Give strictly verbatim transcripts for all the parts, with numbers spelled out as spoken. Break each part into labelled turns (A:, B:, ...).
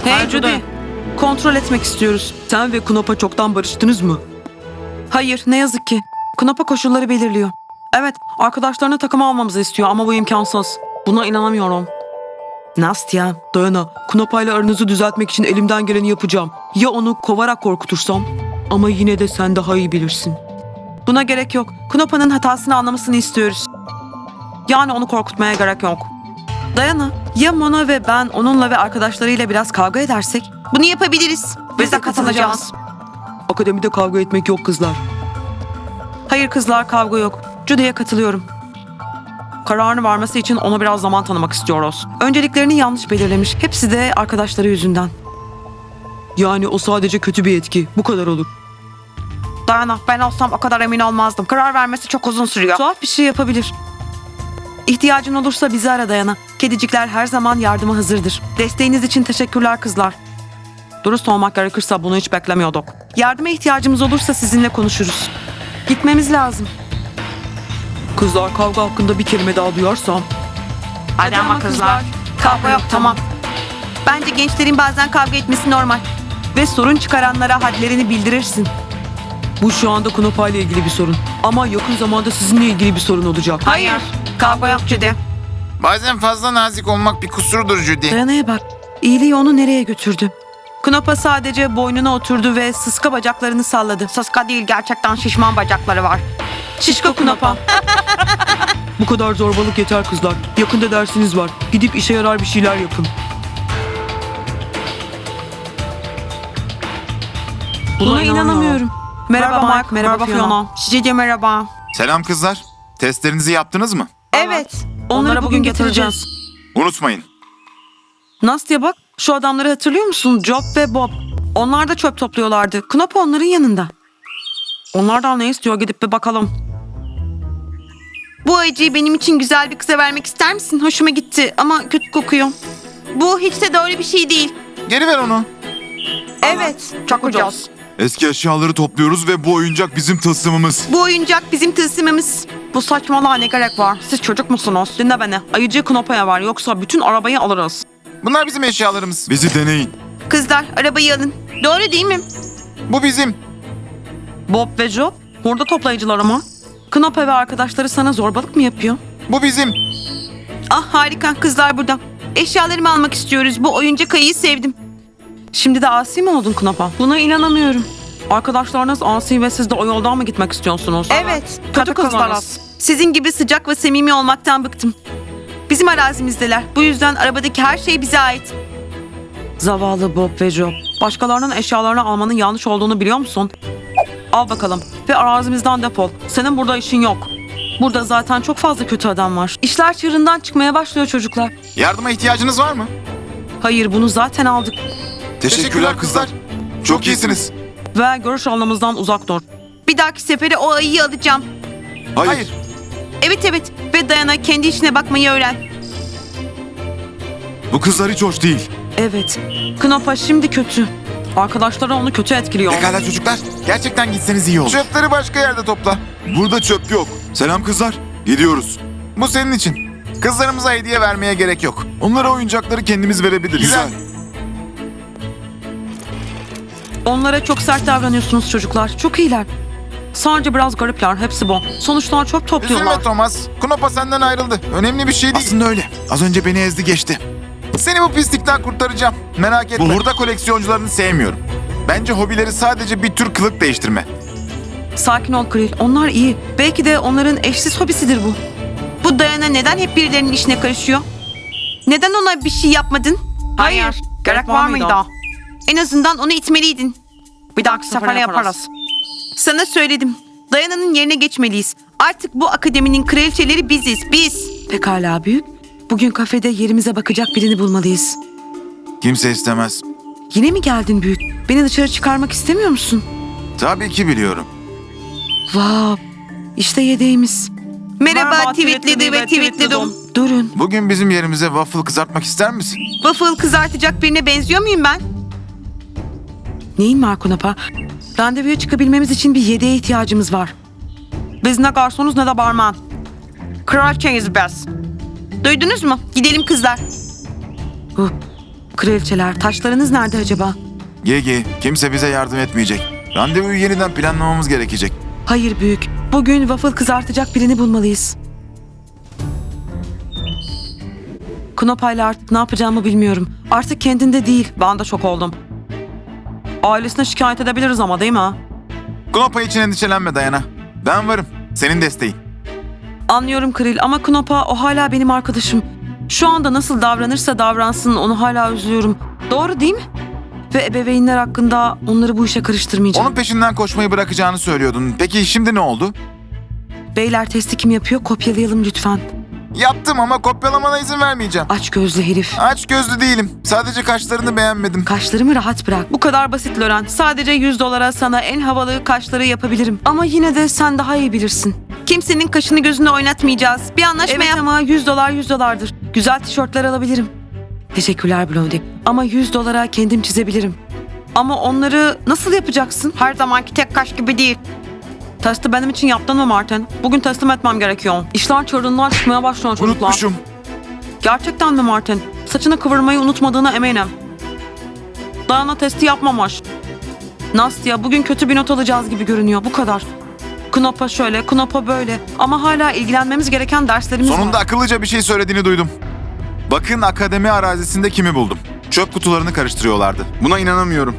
A: Hey Judy, kontrol etmek istiyoruz. Sen ve Knopa çoktan barıştınız mı? Hayır, ne yazık ki. Knopa koşulları belirliyor. Evet, arkadaşlarını takıma almamızı istiyor ama bu imkansız. Buna inanamıyorum. Nastya, Dayana, Knopa ile aranızı düzeltmek için elimden geleni yapacağım. Ya onu kovarak korkutursam? Ama yine de sen daha iyi bilirsin. Buna gerek yok. Knopa'nın hatasını anlamasını istiyoruz. Yani onu korkutmaya gerek yok. Dayana, ya Mona ve ben onunla ve arkadaşlarıyla biraz kavga edersek?
B: Bunu yapabiliriz.
A: Biz de katılacağız. Akademide kavga etmek yok kızlar. Hayır kızlar, kavga yok. Judy'ye katılıyorum. Kararını vermesi için ona biraz zaman tanımak istiyoruz. Önceliklerini yanlış belirlemiş. Hepsi de arkadaşları yüzünden. Yani o sadece kötü bir etki. Bu kadar olur.
B: Dayana, ben olsam o kadar emin olmazdım. Karar vermesi çok uzun sürüyor.
A: Tuhaf bir şey yapabilir. İhtiyacın olursa bizi ara Dayana. Kedicikler her zaman yardıma hazırdır. Desteğiniz için teşekkürler kızlar. Dürüst olmak gerekirse bunu hiç beklemiyorduk. Yardıma ihtiyacımız olursa sizinle konuşuruz. Gitmemiz lazım. Kızlar, kavga hakkında bir kelime daha duyarsam.
B: Hadi ama kızlar. Kavga yok, tamam. Bence gençlerin bazen kavga etmesi normal.
A: Ve sorun çıkaranlara hadlerini bildirirsin. Bu şu anda Knopa ile ilgili bir sorun. Ama yakın zamanda sizinle ilgili bir sorun olacak.
B: Hayır. Kavga yok Judy.
C: Bazen fazla nazik olmak bir kusurdur Judy.
A: Dayana'ya bak. İyiliği onu nereye götürdü? Knopa sadece boynuna oturdu ve sıska bacaklarını salladı.
B: Sıska değil, gerçekten şişman bacakları var.
A: Şişko Knopa. Bu kadar zorbalık yeter kızlar. Yakında dersiniz var. Gidip işe yarar bir şeyler yapın. Buna, inanamıyorum. Merhaba Mike, merhaba Fiona.
B: Size de merhaba.
C: Selam kızlar. Testlerinizi yaptınız mı?
B: Evet.
A: Onları bugün getireceğiz.
C: Unutmayın.
A: Nastya bak, şu adamları hatırlıyor musun? Job ve Bob. Onlar da çöp topluyorlardı. Knopa onların yanında. Onlardan ne istiyor, gidip bir bakalım.
B: Bu acıyı benim için güzel bir kıza vermek ister misin? Hoşuma gitti ama kötü kokuyor. Bu hiç de doğru bir şey değil.
C: Geri ver onu.
B: Evet, çok ucuz.
C: Eski eşyaları topluyoruz ve bu oyuncak bizim tılsımımız.
B: Bu oyuncak bizim tılsımımız.
A: Bu saçmalığa ne gerek var? Siz çocuk musunuz? Dinle beni. Ayıcı Knopa'ya var, yoksa bütün arabayı alırız.
C: Bunlar bizim eşyalarımız. Bizi deneyin.
B: Kızlar, arabayı alın. Doğru değil mi?
C: Bu bizim.
A: Bob ve Job, burada toplayıcılar ama. Knopa ve arkadaşları sana zorbalık mı yapıyor?
C: Bu bizim.
B: Ah harika, kızlar burada. Eşyalarımı almak istiyoruz. Bu oyuncak ayıyı sevdim.
A: Şimdi de asi mi oldun Knopa? Buna inanamıyorum. Arkadaşlarınız asi ve siz de o yoldan mı gitmek istiyorsunuz?
B: Evet,
A: Kötü kızlarız.
B: Sizin gibi sıcak ve samimi olmaktan bıktım. Bizim arazimizdeler. Bu yüzden arabadaki her şey bize ait.
A: Zavallı Bob ve Job. Başkalarının eşyalarını almanın yanlış olduğunu biliyor musun? Al bakalım ve arazimizden defol. Senin burada işin yok. Burada zaten çok fazla kötü adam var. İşler çığırından çıkmaya başlıyor çocuklar.
C: Yardıma ihtiyacınız var mı?
A: Hayır, bunu zaten aldık.
C: Teşekkürler kızlar. Çok iyisiniz.
A: Ve görüş alanımızdan uzak dur.
B: Bir dahaki sefere o ayıyı alacağım.
C: Hayır.
B: Evet evet ve Dayana, kendi işine bakmayı öğren.
C: Bu kızlar hiç hoş değil.
A: Evet. Knopa şimdi kötü. Arkadaşları onu kötü etkiliyor.
C: Pekala çocuklar. Gerçekten gitseniz iyi olur. Çöpleri başka yerde topla. Burada çöp yok. Selam kızlar. Gidiyoruz. Bu senin için. Kızlarımıza hediye vermeye gerek yok. Onlara oyuncakları kendimiz verebiliriz. Güzel.
A: Onlara çok sert davranıyorsunuz çocuklar. Çok iyiler. Sadece biraz garipler. Hepsi bu. Sonuçta çöp topluyorlar.
C: Üzülme Thomas. Knopa senden ayrıldı. Önemli bir şey değil. Aslında öyle. Az önce beni ezdi geçti. Seni bu pislikten kurtaracağım. Merak etme. Bu hurda koleksiyoncularını sevmiyorum. Bence hobileri sadece bir tür kılık değiştirme.
A: Sakin ol Kril. Onlar iyi. Belki de onların eşsiz hobisidir bu.
B: Bu Dayana neden hep birilerinin işine karışıyor? Neden ona bir şey yapmadın?
A: Hayır. Gerek var mıydı?
B: En azından onu itmeliydin.
A: Bir dahaki sefere yaparız.
B: Sana söyledim. Dayana'nın yerine geçmeliyiz. Artık bu akademinin kraliçeleri biziz, biz.
A: Pekala büyük. Bugün kafede yerimize bakacak birini bulmalıyız.
C: Kimse istemez.
A: Yine mi geldin büyük? Beni dışarı çıkarmak istemiyor musun?
C: Tabii ki biliyorum.
A: Vav. İşte yedeğimiz.
B: Merhaba, tweetledi ve tweetledim.
A: Durun.
C: Bugün bizim yerimize waffle kızartmak ister misin?
B: Waffle kızartacak birine benziyor muyum ben?
A: Neyin var Knopa? Randevuya çıkabilmemiz için bir yedeğe ihtiyacımız var. Biz ne garsonuz ne de barman.
B: Kraliçeyiz biz. Duydunuz mu? Gidelim kızlar.
A: Huh. Kraliçeler, taşlarınız nerede acaba?
C: Gigi, kimse bize yardım etmeyecek. Randevuyu yeniden planlamamız gerekecek.
A: Hayır büyük. Bugün waffle kızartacak birini bulmalıyız. Knopa'yla artık ne yapacağımı bilmiyorum. Artık kendinde değil. Ben de şok oldum. Ailesine şikayet edebiliriz ama değil mi?
C: Knopa için endişelenme Dayana. Ben varım. Senin desteğin.
A: Anlıyorum Kril ama Knopa o hala benim arkadaşım. Şu anda nasıl davranırsa davransın onu hala üzülüyorum. Doğru değil mi? Ve ebeveynler hakkında onları bu işe karıştırmayacağım.
C: Onun peşinden koşmayı bırakacağını söylüyordun. Peki şimdi ne oldu?
A: Beyler testi kim yapıyor? Kopyalayalım lütfen.
C: Yaptım ama kopyalamana izin vermeyeceğim.
A: Aç gözlü herif.
C: Aç gözlü değilim. Sadece kaşlarını beğenmedim.
A: Kaşlarımı rahat bırak. Bu kadar basit Loren. Sadece yüz dolara sana en havalı kaşları yapabilirim. Ama yine de sen daha iyi bilirsin.
B: Kimsenin kaşını gözünü oynatmayacağız. Bir anlaşma
A: Evet
B: yap.
A: ama yüz dolar yüz dolardır. Güzel tişörtler alabilirim. Teşekkürler Blondie. Ama yüz dolara kendim çizebilirim. Ama onları nasıl yapacaksın?
B: Her zamanki tek kaş gibi değil.
A: Testi benim için yaptın mı Martin? Bugün teslim etmem gerekiyor. İşler çığırından çıkmaya başlıyor çocuklar.
C: Unutmuşum.
A: Gerçekten mi Martin? Saçını kıvırmayı unutmadığına eminim. Dayana testi yapmamış. Nastya bugün kötü bir not alacağız gibi görünüyor. Bu kadar. Knopa şöyle, Knopa böyle. Ama hala ilgilenmemiz gereken derslerimiz
C: Sonunda
A: var.
C: akıllıca bir şey söylediğini duydum. Bakın akademi arazisinde kimi buldum. Çöp kutularını karıştırıyorlardı. Buna inanamıyorum.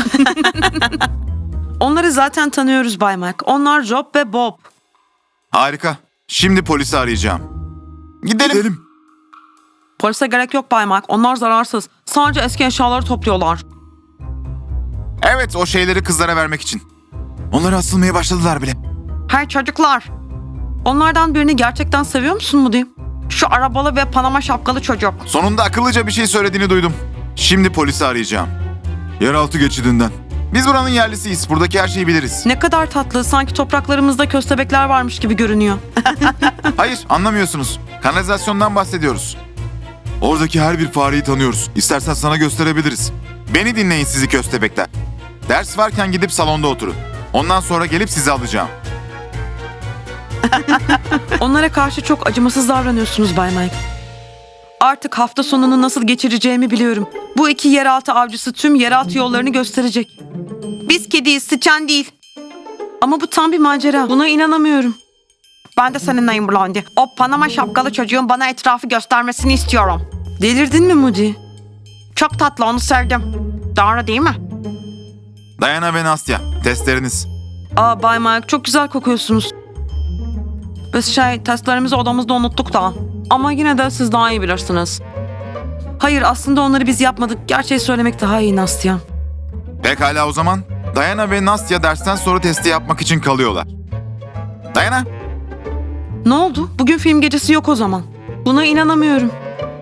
A: Onları zaten tanıyoruz Bay Mac. Onlar Job ve Bob.
C: Harika. Şimdi polisi arayacağım. Gidelim. Gidelim.
A: Polise gerek yok Bay Mac. Onlar zararsız. Sadece eski eşyaları topluyorlar.
C: Evet, o şeyleri kızlara vermek için. Onları asılmaya başladılar bile.
B: Hey çocuklar.
A: Onlardan birini gerçekten seviyor musun Moody?
B: Şu arabalı ve Panama şapkalı çocuk.
C: Sonunda akıllıca bir şey söylediğini duydum. Şimdi polisi arayacağım. Yeraltı geçidinden. Biz buranın yerlisiyiz. Buradaki her şeyi biliriz.
A: Ne kadar tatlı. Sanki topraklarımızda köstebekler varmış gibi görünüyor.
C: Hayır, anlamıyorsunuz. Kanalizasyondan bahsediyoruz. Oradaki her bir fareyi tanıyoruz. İstersen sana gösterebiliriz. Beni dinleyin sizi köstebekler. Ders varken gidip salonda oturun. Ondan sonra gelip sizi alacağım.
A: Onlara karşı çok acımasız davranıyorsunuz Bay Mike. Artık hafta sonunu nasıl geçireceğimi biliyorum. Bu iki yeraltı avcısı tüm yeraltı yollarını gösterecek.
B: Biz kediyiz, sıçan değil.
A: Ama bu tam bir macera. Buna inanamıyorum.
B: Ben de seninleyim Blondie. O Panama şapkalı çocuğun bana etrafı göstermesini istiyorum.
A: Delirdin mi Moody?
B: Çok tatlı, onu sevdim. Doğru değil mi?
C: Dayana ve Nastya, testleriniz.
A: Aa Bay Mike çok güzel kokuyorsunuz. Biz şey testlerimizi odamızda unuttuk da. Ama yine de siz daha iyi bilirsiniz. Hayır aslında onları biz yapmadık. Gerçeği söylemek daha iyi Nastya.
C: Pekala o zaman. Dayana ve Nastya dersten sonra testi yapmak için kalıyorlar. Dayana,
A: Ne oldu? Bugün film gecesi yok o zaman. Buna inanamıyorum.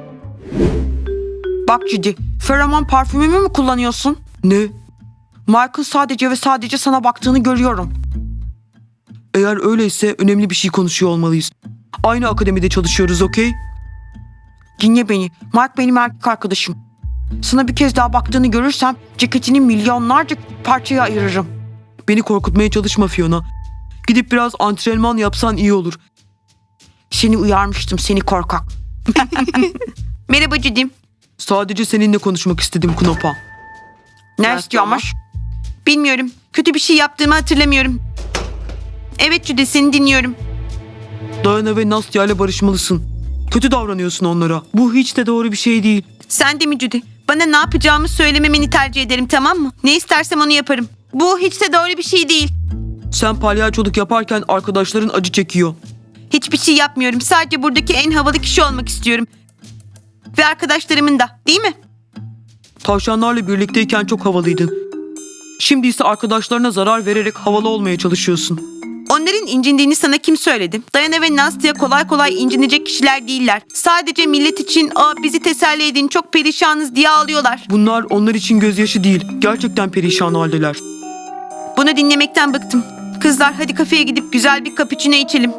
B: Bak Judy, feromon parfümümü mü kullanıyorsun?
A: Ne?
B: Mike'ın sadece ve sadece sana baktığını görüyorum.
A: Eğer öyleyse önemli bir şey konuşuyor olmalıyız. Aynı akademide çalışıyoruz, okey?
B: Dinle beni, Mike benim erkek arkadaşım. Sana bir kez daha baktığını görürsem ceketini milyonlarca parçaya ayırırım.
A: Beni korkutmaya çalışma Fiona. Gidip biraz antrenman yapsan iyi olur.
B: Seni uyarmıştım, seni korkak. Merhaba Judy.
A: Sadece seninle konuşmak istedim Knopa.
B: Ne
A: Ne
B: istiyormuş? Bilmiyorum. Kötü bir şey yaptığımı hatırlamıyorum. Evet Judy, seni dinliyorum.
A: Dayana ve Nastya ile barışmalısın. Kötü davranıyorsun onlara. Bu hiç de doğru bir şey değil.
B: Sen de mi Judy? Bana ne yapacağımı söylememeni tercih ederim, tamam mı? Ne istersem onu yaparım. Bu hiç de doğru bir şey değil.
A: Sen palyaçoluk yaparken arkadaşların acı çekiyor.
B: Hiçbir şey yapmıyorum. Sadece buradaki en havalı kişi olmak istiyorum. Ve arkadaşlarımın da, değil mi?
A: Tavşanlarla birlikteyken çok havalıydın. Şimdi ise arkadaşlarına zarar vererek havalı olmaya çalışıyorsun.
B: Onların incindiğini sana kim söyledi? Dayana ve Nastya kolay kolay incinecek kişiler değiller. Sadece millet için "Aa, bizi teselli edin, çok perişanız" diye ağlıyorlar.
A: Bunlar onlar için gözyaşı değil. Gerçekten perişan haldeler.
B: Bunu dinlemekten bıktım. Kızlar hadi kafeye gidip güzel bir cappuccino içelim.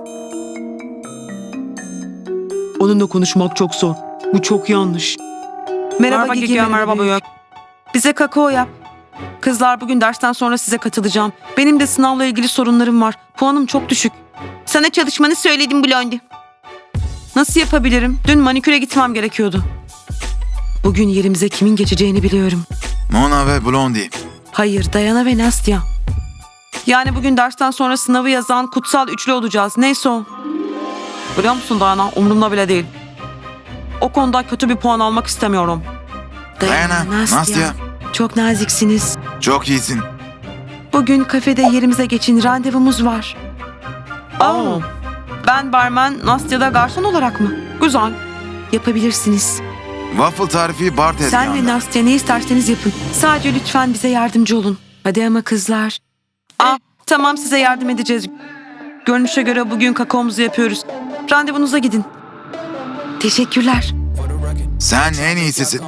A: Onunla konuşmak çok zor. Bu çok yanlış.
B: Merhaba Gigi, merhaba Büyük.
A: Bize kakao yap. Kızlar bugün dersten sonra size katılacağım. Benim de sınavla ilgili sorunlarım var. Puanım çok düşük.
B: Sana çalışmanı söyledim Blondie.
A: Nasıl yapabilirim? Dün maniküre gitmem gerekiyordu. Bugün yerimize kimin geçeceğini biliyorum.
C: Mona ve Blondie.
A: Hayır, Dayana ve Nastya. Yani bugün dersten sonra sınavı yazan kutsal üçlü olacağız. Neyse o. Biliyor musun Dayana? Umurumda bile değil. O konuda kötü bir puan almak istemiyorum.
C: Dayana, Nastya.
A: Çok naziksiniz.
C: Çok iyisin.
A: Bugün kafede yerimize geçin, randevumuz var. Aa, ben barmen, Nastya da garson olarak mı? Güzel. Yapabilirsiniz.
C: Waffle tarifi bar
A: Sen ve
C: tezgahında.
A: Nastya ne isterseniz yapın. Sadece lütfen bize yardımcı olun. Hadi ama kızlar. Aa, tamam size yardım edeceğiz. Görünüşe göre bugün kakaomuzu yapıyoruz. Randevunuza gidin. Teşekkürler.
C: Sen en iyisisin.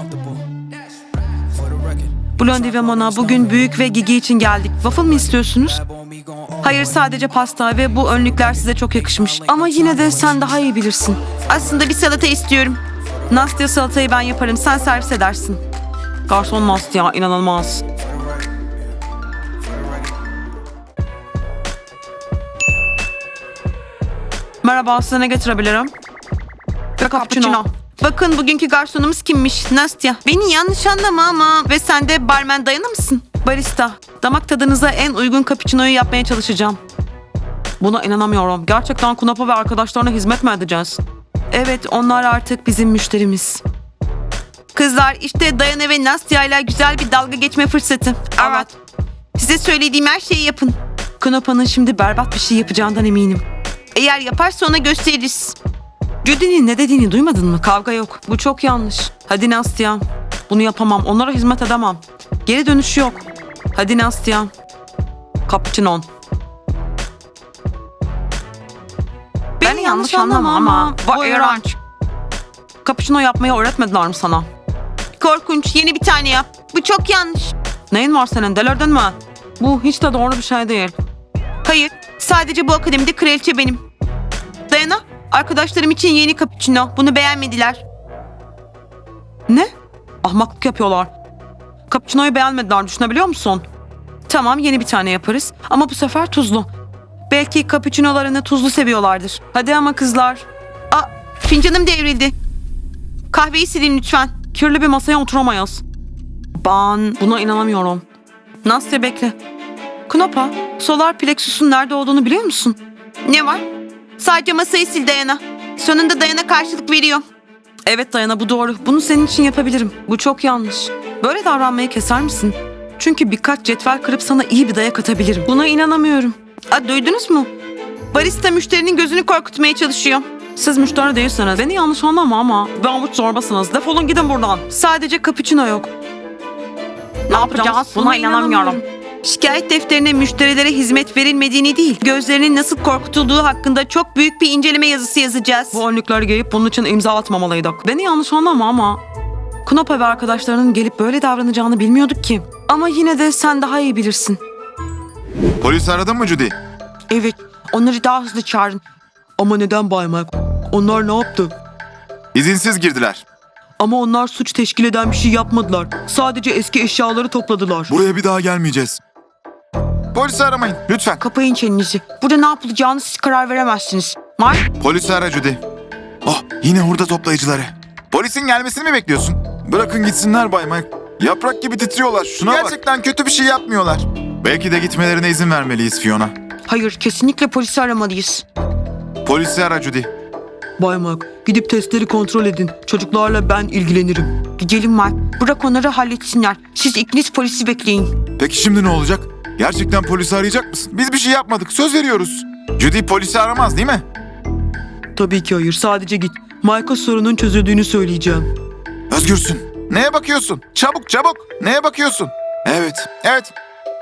A: Blondie ve Mona bugün Büyük ve Gigi için geldik. Waffle mı istiyorsunuz? Hayır sadece pasta ve bu önlükler size çok yakışmış. Ama yine de sen daha iyi bilirsin.
B: Aslında bir salata istiyorum.
A: Nastya salatayı ben yaparım. Sen servis edersin. Garson Nastya inanılmaz. Merhaba size ne getirebilirim? Ve cappuccino.
B: Bakın bugünkü garsonumuz kimmiş? Nastya. Beni yanlış anlama ama ve sen de barmen Dayana mısın?
A: Barista. Damak tadınıza en uygun cappuccino'yu yapmaya çalışacağım. Buna inanamıyorum. Gerçekten Kunapa ve arkadaşlarına hizmet mi edeceğiz? Evet onlar artık bizim müşterimiz.
B: Kızlar işte Dayana ve Nastya ile güzel bir dalga geçme fırsatı.
A: Evet.
B: Size söylediğim her şeyi yapın.
A: Kunapa'nın şimdi berbat bir şey yapacağından eminim.
B: Eğer yaparsa ona gösteririz.
A: Judy'nin ne dediğini duymadın mı? Kavga yok. Bu çok yanlış. Hadi Nastya. Bunu yapamam. Onlara hizmet edemem. Geri dönüş yok. Hadi Nastya. Cappuccino.
B: Beni yanlış anlama ama bu iğrenç.
A: Cappuccino yapmayı öğretmediler mi sana?
B: Korkunç. Yeni bir tane yap. Bu çok yanlış.
A: Neyin var senin? Delirdin mi? Bu hiç de doğru bir şey değil.
B: Hayır. Sadece bu akademide kraliçe benim. Dayana, arkadaşlarım için yeni cappuccino. Bunu beğenmediler.
A: Ne? Ahmaklık yapıyorlar. Cappuccino'yu beğenmediler düşünebiliyor musun? Tamam yeni bir tane yaparız ama bu sefer tuzlu. Belki cappuccino'larını tuzlu seviyorlardır. Hadi ama kızlar.
B: Aa, fincanım devrildi. Kahveyi silin lütfen.
A: Kirli bir masaya oturamayız. Ben buna inanamıyorum. Nastya bekle. Kunapa, solar plexus'un nerede olduğunu biliyor musun?
B: Ne var? Sadece masayı sil Dayana. Sonunda Dayana karşılık veriyor.
A: Evet Dayana bu doğru. Bunu senin için yapabilirim. Bu çok yanlış. Böyle davranmayı keser misin? Çünkü birkaç cetvel kırıp sana iyi bir dayak atabilirim. Buna inanamıyorum.
B: Aa, duydunuz mu? Barista müşterinin gözünü korkutmaya çalışıyor.
A: Siz müşteri değilsiniz. Beni yanlış anlama ama ve avuç zorbasınız. Defolun gidin buradan. Sadece cappuccino yok.
B: Ne yapacağız? Buna inanamıyorum. Şikayet defterine müşterilere hizmet verilmediğini değil, gözlerinin nasıl korkutulduğu hakkında çok büyük bir inceleme yazısı yazacağız.
A: Bu önlükleri giyip bunun için imza atmamalıydık. Beni yanlış anlama ama Kunapa ve arkadaşlarının gelip böyle davranacağını bilmiyorduk ki. Ama yine de sen daha iyi bilirsin.
C: Polis aradın mı Judy?
A: Evet, onları daha hızlı çağırın. Ama neden Bay Mike? Onlar ne yaptı?
C: İzinsiz girdiler.
A: Ama onlar suç teşkil eden bir şey yapmadılar. Sadece eski eşyaları topladılar.
C: Buraya bir daha gelmeyeceğiz. Polisi aramayın lütfen.
B: Kapayın çenenizi. Burada ne yapılacağını siz karar veremezsiniz. Mark,
C: Polisi ara Judy. Oh yine hurda toplayıcıları. Polisin gelmesini mi bekliyorsun? Bırakın gitsinler Bay Mike. Yaprak gibi titriyorlar. Şuna Gerçekten bak. Kötü bir şey yapmıyorlar. Belki de gitmelerine izin vermeliyiz Fiona.
B: hayır kesinlikle polisi aramalıyız.
C: Polisi ara Judy.
A: Bay Mike, gidip testleri kontrol edin. Çocuklarla ben ilgilenirim.
B: Gidelim Mark. Bırak onları halletsinler. Siz ikiniz polisi bekleyin.
C: Peki şimdi ne olacak? Gerçekten polisi arayacak mısın? Biz bir şey yapmadık. Söz veriyoruz. Judy polisi aramaz değil mi?
A: Tabii ki hayır, sadece git. Mike'a sorunun çözüldüğünü söyleyeceğim.
C: Özgürsün. Neye bakıyorsun? Çabuk çabuk. Neye bakıyorsun? Evet. Evet.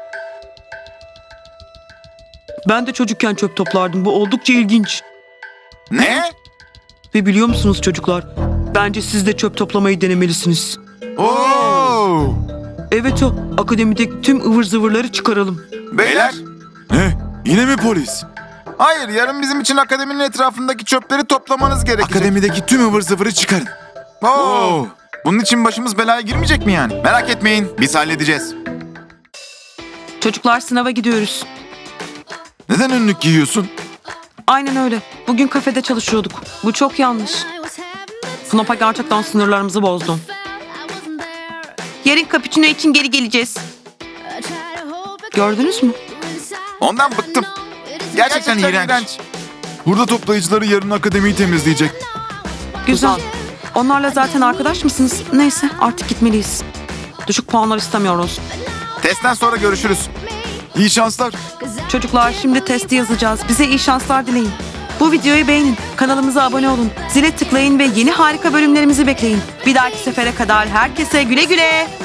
A: Ben de çocukken çöp toplardım. Bu oldukça ilginç.
C: Ne?
A: Ve biliyor musunuz çocuklar? Bence siz de çöp toplamayı denemelisiniz.
C: Oo!
A: Evet o. Akademideki tüm ıvır zıvırları çıkaralım.
C: Beyler. Ne? Yine mi polis? Hayır, yarın bizim için akademinin etrafındaki çöpleri toplamanız gerekecek. Akademideki tüm ıvır zıvırı çıkarın. Oo! Bunun için başımız belaya girmeyecek mi yani? Merak etmeyin, biz halledeceğiz.
A: Çocuklar sınava gidiyoruz.
C: Neden önlük giyiyorsun?
A: Aynen öyle. Bugün kafede çalışıyorduk. Bu çok yanlış. Kunapa gerçekten sınırlarımızı bozdu.
B: Yarın cappuccino için geri geleceğiz.
A: Gördünüz mü?
C: Ondan bıktım. Gerçekten, iğrenç. Burada toplayıcıları yarın akademiyi temizleyecek.
A: Güzel. Onlarla zaten arkadaş mısınız? Neyse artık gitmeliyiz. Düşük puanlar istemiyoruz.
C: Testten sonra görüşürüz. İyi şanslar.
A: Çocuklar şimdi testi yazacağız. Bize iyi şanslar dileyin. Bu videoyu beğenin. Kanalımıza abone olun. Zile tıklayın ve yeni harika bölümlerimizi bekleyin. Bir dahaki sefere kadar herkese güle güle.